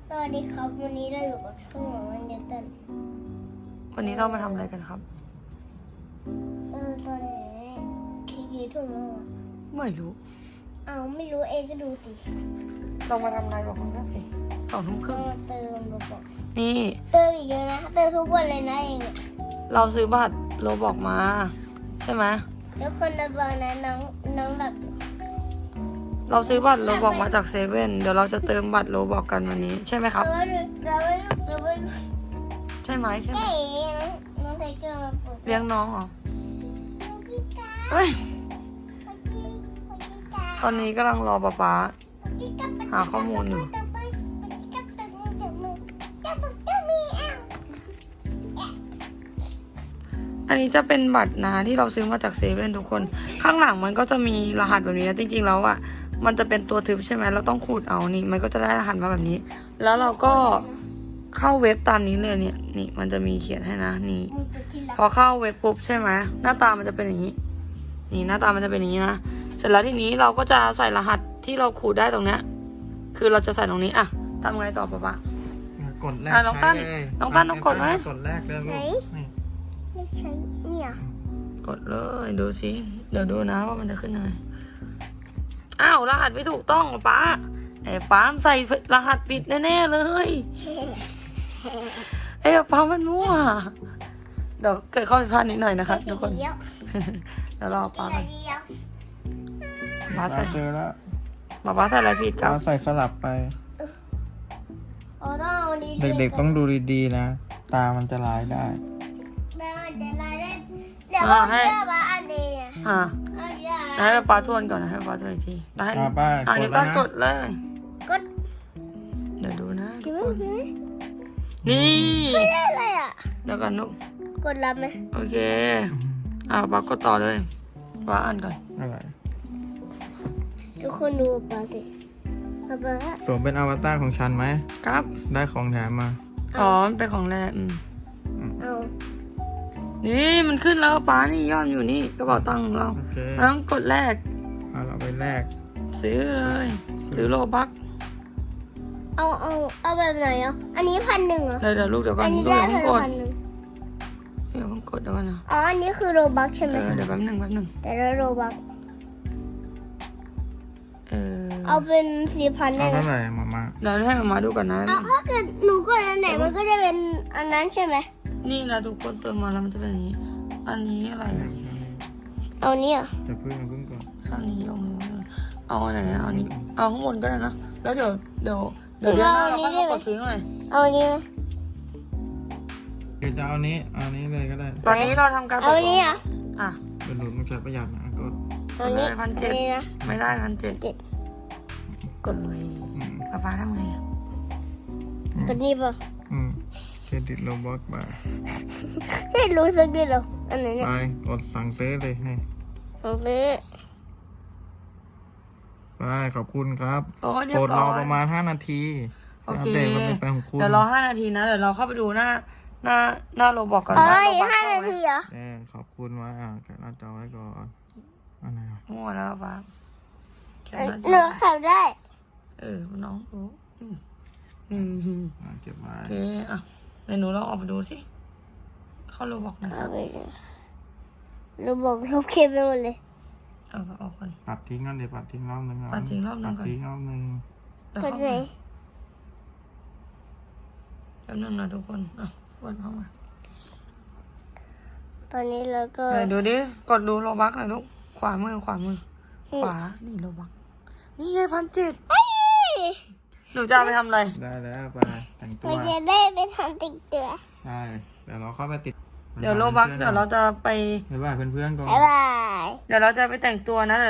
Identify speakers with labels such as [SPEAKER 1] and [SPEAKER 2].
[SPEAKER 1] สวัสดีครับวันนี้เราอยู่กับช่องของวันเดนตัน
[SPEAKER 2] วันนี้เรามาทำอะไรกันครับ
[SPEAKER 1] ตอนนี้กี่ทุ่มแล้วอ่ะ
[SPEAKER 2] ไม่รู้
[SPEAKER 1] ไม่รู้เองก็ดูสิ
[SPEAKER 2] เรามาทำอะไรบอกคุณก็สิ2:30
[SPEAKER 1] เราเติมโรบอก
[SPEAKER 2] นี่
[SPEAKER 1] เติมอีกแล้วนะเติมทุกวันเลยนะเองอ่ะ
[SPEAKER 2] เราซื้อบัตรโลบอกมา ใช่ไหม
[SPEAKER 1] แล้วคนระเบิดนะน้องแบบอยู่
[SPEAKER 2] เราซื้อบัตรโลบอกมาจากเซเว่นเดี๋ยวเราจะเติมบัตรโลบอกกันวันนี้ใช่ไหมครับ
[SPEAKER 1] เติมไว้
[SPEAKER 2] ใช่ไหมใช่ไหม
[SPEAKER 1] เก๋น้องไทเกอร์มาปลุก
[SPEAKER 2] เลี้ยงน้องเหรอ
[SPEAKER 1] น้องพี่กา
[SPEAKER 2] เฮ้ย
[SPEAKER 1] พี่กา
[SPEAKER 2] ตอนนี้กำลังรอป๊าหาข้อมูลอยู่ อันนี้จะเป็นบัตรนะที่เราซื้อมาจากเซเว่นทุกคน ข้างหลังมันก็จะมีรหัสแบบนี้นะจริงๆแล้วอ่ะมันจะเป็นตัวทึบใช่ไหมเราต้องขูดเอานี่มันก็จะได้รหัสมาแบบนี้ แล้วเราก็เข้าเว็บตามนี้เลยเนี่ยนี่มันจะมีเขียนให้นะนี่ พอเข้าเว็บปุ๊บใช่ไหมหน้าตามันจะเป็นอย่างนี้ นี่หน้าตามันจะเป็นอย่างนี้นะเสร็จแล้วทีนี้เราก็จะใส่รหัสที่เราขูดได้ตรงเนี้ยคือเราจะใส่ตรงนี้อ่ะทำไงต่อป๊าก
[SPEAKER 3] ดแรก
[SPEAKER 2] น้องตั้น
[SPEAKER 3] ใช้เลย
[SPEAKER 2] น้องตั้นต้องกดไหม
[SPEAKER 3] กดแรกเลยลูกนี่
[SPEAKER 1] ไม่ใช่เนี่ย
[SPEAKER 2] กดเลยดูสิเดี๋ยวดูนะว่ามันจะขึ้นยังไงอ้าวรหัสไม่ถูกต้องป๊าไอ้ป๊ามใส่รหัสผิดแน่ๆเลยไอ้ป๊ามันมั่วเดี๋ยวเกิดข้อผิดพลาดนิดหน่อยนะครับทุกคนเดี๋ยวรอป๊าก่อนป๊าใส่
[SPEAKER 3] เจอแล้ว
[SPEAKER 2] ป๊าใส่อะไรผิดครับ
[SPEAKER 3] เราใส่สลับไป
[SPEAKER 1] ต้องเอาดี
[SPEAKER 3] เด็กๆต้องดูดีๆนะ ตามันจะลายได้
[SPEAKER 1] เดี๋ยวเราได้เดี๋ยวเราเลือกว่าอันนี้อ่ะ
[SPEAKER 2] อ่า
[SPEAKER 1] เอาเยอะ
[SPEAKER 2] ให้ป๊าทวนก่อนนะให้ป๊าทวนอีกทีแล้วให้
[SPEAKER 3] ไป
[SPEAKER 2] นิ้วตั้งกดเลย
[SPEAKER 1] กด
[SPEAKER 2] เดี๋ยวดูนะ
[SPEAKER 1] คิดว่าไง
[SPEAKER 2] นี่
[SPEAKER 1] ไม่ได้เลยอ่ะ
[SPEAKER 2] เดี๋ยวกันนุก
[SPEAKER 1] กดรับไหม
[SPEAKER 2] โอเคป๊ากดต่อเลยป๊าอ่านก่อน
[SPEAKER 3] อะไร
[SPEAKER 1] ทุกคนดูปาสิปา
[SPEAKER 3] สวมเป็นอวตารของฉันไหม
[SPEAKER 2] ครับ
[SPEAKER 3] ได้ของแถมมา
[SPEAKER 2] อ๋อมันเป็นของแรก
[SPEAKER 1] เอา
[SPEAKER 2] นี่มันขึ้นแล้วป๊านี่ย่อนอยู่นี่กระเป๋าตังค์ของเรา
[SPEAKER 3] โอเค
[SPEAKER 2] เราต้องกดแรก
[SPEAKER 3] เอาไปแลก
[SPEAKER 2] ซื้อเลย ซื้อโลบัก
[SPEAKER 1] เอาแบบไหนอ่ะอันนี้1,000เหรอ
[SPEAKER 2] เดี๋ยวลูกเดี๋ยวก่อ
[SPEAKER 1] อั
[SPEAKER 2] น
[SPEAKER 1] นนี้
[SPEAKER 2] ลูก
[SPEAKER 1] ได้
[SPEAKER 2] เดี๋ยวเพิ่งกด
[SPEAKER 1] 1,000
[SPEAKER 2] เดี๋ยวเพิ่งกดเดี๋ยวก่อนนะ
[SPEAKER 1] อ๋ออันนี้คือโรบักใช่ไหม
[SPEAKER 2] เดี๋ยวแป๊บหนึ่ง
[SPEAKER 1] แต่ละโรบัก
[SPEAKER 2] เอา
[SPEAKER 1] เป็น 4,000 ได้
[SPEAKER 3] เอา
[SPEAKER 1] ไหม
[SPEAKER 3] เท่าไหร่มา
[SPEAKER 2] เดี๋ยวให้มาดูก่อนนะ
[SPEAKER 1] ถ้าเกิดหนูกดอันไหนมันก็จะเป็นอันนั้นใช่ไหม
[SPEAKER 2] นี่นะทุกคนเติมมาแล้วมันจะเป็นอย่างนี้ อันนี้อะไรอะ
[SPEAKER 1] เอาเนี่ย
[SPEAKER 3] จะพึ่งก่อน
[SPEAKER 2] อันนี้ยงเอาอันไหนอะเอาอันนี้เอาข้างบนก็ได้นะแล้วเดี๋ยวเดือนหน้าเราค่อยมากดซื้อหน่อย
[SPEAKER 1] เอาอันนี้ไหม
[SPEAKER 3] เดี๋ยวจะเอานี้เลยก็ได้
[SPEAKER 2] ตอนนี้เราทำการ
[SPEAKER 1] เอาอันนี้อ่ะ
[SPEAKER 2] อ่ะ
[SPEAKER 3] เป็นหลุดมันใช้ประหยัดนะก็
[SPEAKER 1] เอาอันนี้
[SPEAKER 2] 1,700
[SPEAKER 1] อันนี้นะ
[SPEAKER 2] ไม่ได้1,700กดเลย
[SPEAKER 3] อืม
[SPEAKER 2] ฟ้าทำไงอะ
[SPEAKER 1] ตัวนี้ป่ะ
[SPEAKER 3] เครดิตโลบ็อกไป
[SPEAKER 1] ไม่รู้สักนิดหรอกอันไหนเนี่ย
[SPEAKER 3] ไปกดสั่งซื้อเลยนี่
[SPEAKER 1] ของซื้อ
[SPEAKER 3] ไปขอบคุณครับ
[SPEAKER 2] โอ้เรีย
[SPEAKER 3] ก
[SPEAKER 2] บ
[SPEAKER 3] ด
[SPEAKER 2] ร้
[SPEAKER 3] ร
[SPEAKER 2] อ
[SPEAKER 3] อย ประมาณ5 นาที
[SPEAKER 2] โอเค
[SPEAKER 3] อัปเดตมันเป็นของคุณ
[SPEAKER 2] เดี๋ยวรอ5 นาทีนะเดี๋ยวเราเข้าไปดูหน้าโรบอกก่อน
[SPEAKER 1] อ๋อ
[SPEAKER 2] ว่า
[SPEAKER 1] อี
[SPEAKER 2] โร
[SPEAKER 1] ก
[SPEAKER 2] บอก
[SPEAKER 1] 5
[SPEAKER 2] เข้า
[SPEAKER 1] นา
[SPEAKER 2] ไหม
[SPEAKER 1] ทีเหรอ
[SPEAKER 3] ขอบคุณไว้แกะหน้าจอไว้ก่อนอันไหน
[SPEAKER 2] มั่วแล้วฟ้าแค่นั้น
[SPEAKER 1] หนูขับได้
[SPEAKER 2] น้องรู้นี่
[SPEAKER 3] เก็บไว้
[SPEAKER 2] โอเคอ่ะเดี๋ยวหนูลองออกไปดูสิเข้าโรบอกนะค
[SPEAKER 1] เอา
[SPEAKER 2] รับ
[SPEAKER 1] ไปเลยเราบอกลบเคปไปหมดเลย
[SPEAKER 2] เอาออกก่อน
[SPEAKER 3] ปัดทิ้งนั่นเดี๋ยวปัดทิ้งรอบนึง
[SPEAKER 2] ปัดทิ้งรอบนึงก่อน
[SPEAKER 3] ปัดทิ้งรอบนึง
[SPEAKER 2] แล้ว
[SPEAKER 1] กด
[SPEAKER 2] เข้า
[SPEAKER 1] ไหน
[SPEAKER 2] มาแป๊บนึงนะทุกคนอ่ะวนเข้ามา
[SPEAKER 1] ตอนนี้เราก็
[SPEAKER 2] เดี๋ยวดูดิกดดูโรบักหน่อยลูกขวามือขวานี่โรบักนี่ไง1,700หนูจะเอาไปทำอะไร
[SPEAKER 3] ได้แล้วไปแต่งตั
[SPEAKER 1] เรา
[SPEAKER 3] ว
[SPEAKER 1] จะได้ไปทำติ๊กเตือ
[SPEAKER 3] ใช่เดี๋ยวเราเข้าไปติด
[SPEAKER 2] เดี๋ยวโรบักเดี๋ยวเราจะไป
[SPEAKER 3] บ๊ายบายเพื่อนๆก่อน
[SPEAKER 1] บ๊ายบาย
[SPEAKER 2] เดี๋ยวเราจะไปแต่งตัวนะ